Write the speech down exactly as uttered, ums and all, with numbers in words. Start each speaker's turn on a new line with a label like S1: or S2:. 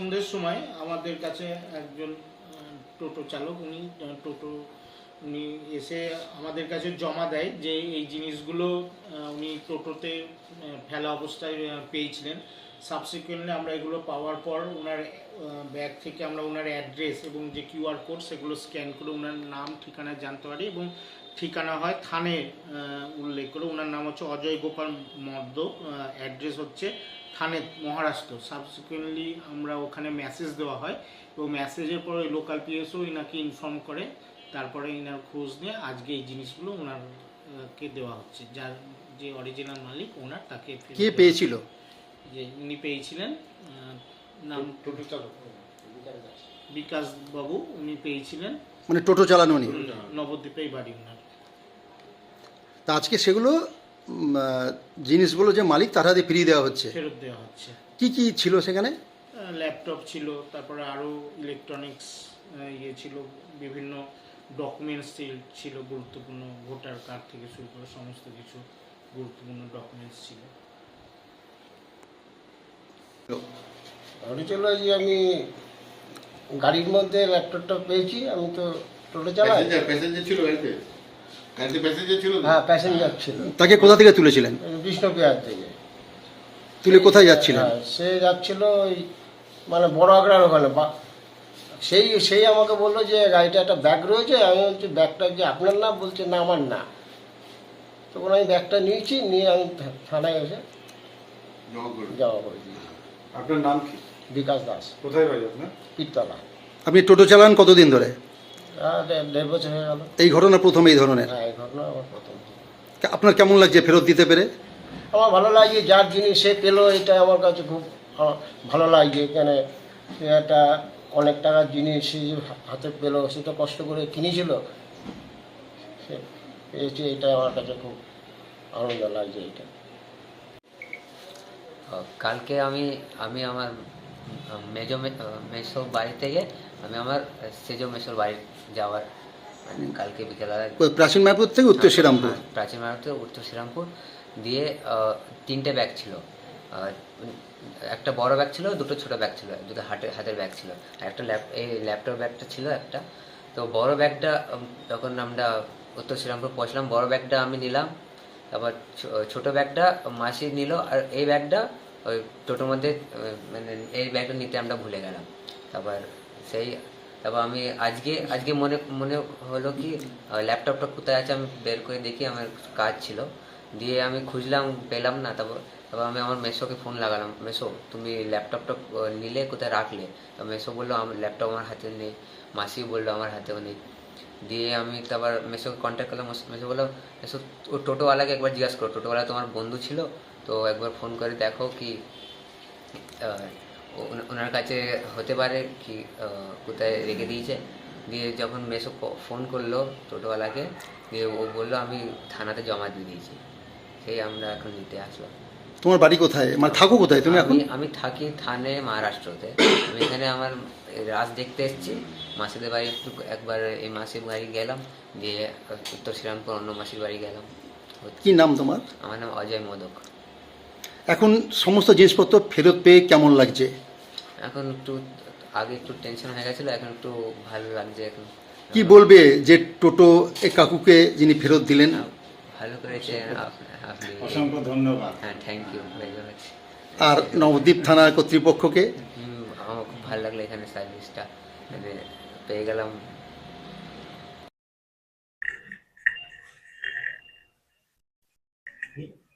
S1: সন্ধ্যের সময় আমাদের কাছে একজন টোটো চালক উনি টোটো উনি এসে আমাদের কাছে জমা দেয় যে এই জিনিসগুলো উনি টোটোতে ফেলা অবস্থায় পেয়েছিলেন। সাবসিকুয়েন্টলি আমরা এগুলো পাওয়ার পর ওনার ব্যাগ থেকে আমরা ওনার অ্যাড্রেস এবং যে কিউআর কোড সেগুলো স্ক্যান করে ওনার নাম ঠিকানা জানতে পারি এবং ঠিকানা হয় থানে উল্লেখ করে। ওনার নাম হচ্ছে অজয় গোপাল মর্দ, অ্যাড্রেস হচ্ছে থানে মহারাষ্ট্র। সাবসিকুয়েন্টলি আমরা ওখানে মেসেজ দেওয়া হয় এবং মেসেজের পর ওই লোকাল পিএসও ইনাকে ইনফর্ম করে, তারপরে ইনার খোঁজ নিয়ে আজকে এই জিনিসগুলো ওনারকে দেওয়া হচ্ছে। যার যে অরিজিনাল মালিক ওনার তাকে
S2: কে পেয়েছিল,
S1: যে উনি পেয়েছিলেন নাম টোটো চালক বিকাশ বাবু, উনি পেয়েছিলেন,
S2: মানে টোটো চালানো উনি
S1: নবদ্বীপেই বাড়ি ওনার।
S2: তা আজকে সেগুলো জিনিসগুলো যে মালিক তার হাতে ফিরিয়ে দেওয়া হচ্ছে,
S1: ফেরত দেওয়া হচ্ছে।
S2: কি কি ছিল সেখানে?
S1: ল্যাপটপ ছিল, তারপরে আরও ইলেকট্রনিক্স ইয়ে ছিল, বিভিন্ন ডকুমেন্টস ছিল গুরুত্বপূর্ণ, ভোটার কার্ড থেকে শুরু করে সমস্ত কিছু গুরুত্বপূর্ণ ডকুমেন্টস ছিল।
S3: হয়েছিল যে আমি গাড়ির মধ্যে ল্যাপটপটা পেয়েছি, আমি তো টোটো চালাই।
S4: প্যাসেঞ্জার ছিল গাড়িতে? গাড়িতে প্যাসেঞ্জার ছিল?
S3: হ্যাঁ, প্যাসেঞ্জার ছিল।
S2: তাকে কোথা থেকে তুলেছিলেন?
S3: বিষ্ণুপ্রিয়ার থেকে।
S2: তুলে কোথায় যাচ্ছিলেন?
S3: হ্যাঁ, সে যাচ্ছিল ওই মানে বড় আগ্রার ওখানে। সেই সেই আমাকে বললো যে গাড়িটা একটা ব্যাগ রয়েছে। আমি বলছি ব্যাগটা যে আপনার না? বলছে না আমার না। তখন আমি ব্যাগটা নিয়েছি, নিয়ে আমি থানায় এসে যাওয়া করে দিয়েছি।
S4: আপনার নাম কি?
S3: বিকাশ দাস।
S4: কোথায় বাড়ি আপনার?
S3: পিরতলা।
S2: আপনি টোটো চালান কতদিন ধরে?
S3: দেড় বছর হয়ে গেল।
S2: এই ঘটনা প্রথম এই ধরনের?
S3: হ্যাঁ, এই ঘটনা আমার প্রথম।
S2: আপনার কেমন লাগছে ফেরত দিতে পেরে?
S3: আমার ভালো লাগে, যার জিনিস সে পেলো, এটা আমার কাছে খুব ভালো লাগছে। এখানে সে একটা অনেক টাকার জিনিস সে হাতে পেলো, সে তো কষ্ট করে কিনেছিল, সে পেয়েছে, এটা আমার কাছে খুব আনন্দ লাগছে। এটা
S5: কালকে আমি আমি আমার মেজো মেসো বাড়ি থেকে আমি আমার সেজো মেসোর বাড়ি যাওয়ার মানে কালকে বিকেলবেলা
S2: প্রাচীন মায়াপুর থেকে উত্তর শ্রীরামপুর?
S5: প্রাচীন মায়াপুর থেকে উত্তর শ্রীরামপুর দিয়ে তিনটে ব্যাগ ছিল। একটা বড় ব্যাগ ছিল, দুটো ছোটো ব্যাগ ছিল, দুটো হাতের হাতের ব্যাগ ছিল, আর একটা ল্যাপ এই ল্যাপটপ ব্যাগটা ছিল একটা। তো বড় ব্যাগটা যখন আমরা উত্তর শ্রীরামপুর পৌঁছলাম, বড় ব্যাগটা আমি নিলাম, তারপর ছোটো ব্যাগটা মাসি নিল, আর এই ব্যাগটা ওই টোটোর মধ্যে মানে এই ব্যাগটা নিতে আমরা ভুলে গেলাম। তারপর সেই তারপর আমি আজকে আজকে মনে মনে হলো কি ল্যাপটপটা কোথায় আছে, আমি বের করে দেখি, আমার কাজ ছিল, দিয়ে আমি খুঁজলাম, পেলাম না। তারপর তারপর আমি আমার মেসোকে ফোন লাগালাম, মেসো তুমি ল্যাপটপটা নিলে কোথায় রাখলে? তো মেসো বললো আমার ল্যাপটপ আমার হাতে নেই, মাসি বললো আমার হাতেও নেই। দিয়ে আমি তারপর মেসোকে কন্ট্যাক্ট করলাম, মেসো বললো মেসো ও টোটোওয়ালাকে একবার জিজ্ঞাসা করো, টোটোওয়ালা তোমার বন্ধু ছিল তো একবার ফোন করে দেখো কি ওনার কাছে হতে পারে কি কোথায় রেখে দিয়েছে। দিয়ে যখন মেসো ফোন করলো টোটোওয়ালাকে, দিয়ে ও বললো আমি থানাতে জমা দিয়ে দিয়েছি। সেই আমরা এখন নিতে আসলাম।
S2: তোমার বাড়ি কোথায়, মানে থাকো কোথায় তুমি এখন?
S5: আমি থাকি থানে মহারাষ্ট্রতে। আমি এখানে আমার রাজ দেখতে এসেছি, মাসিদের বাড়ি একটু একবার এই মাসির বাড়ি গেলাম, দিয়ে উত্তর শ্রীরামপুর অন্য মাসির বাড়ি গেলাম।
S2: কি নাম তোমার?
S5: আমার নাম অজয় মোদক।
S2: এখন সমস্ত জিনিসপত্র ফেরত পেয়ে কেমন লাগছে?
S5: এখন একটু আগে একটু টেনশন হয়ে গেছিলো, এখন একটু ভালো লাগছে। এখন
S2: কি বলবে যে টোটো এ কাকুকে যিনি ফেরত দিলেন?
S5: ভালো করেছে আপনি,
S4: অসংখ্য ধন্যবাদ।
S5: হ্যাঁ, থ্যাংক ইউ ভেরি মাচ।
S2: আর নবদ্বীপ থানার কর্তৃপক্ষকে?
S5: আমার খুব ভালো লাগলো এখানে সার্ভিসটা মানে পেয়ে গেলাম।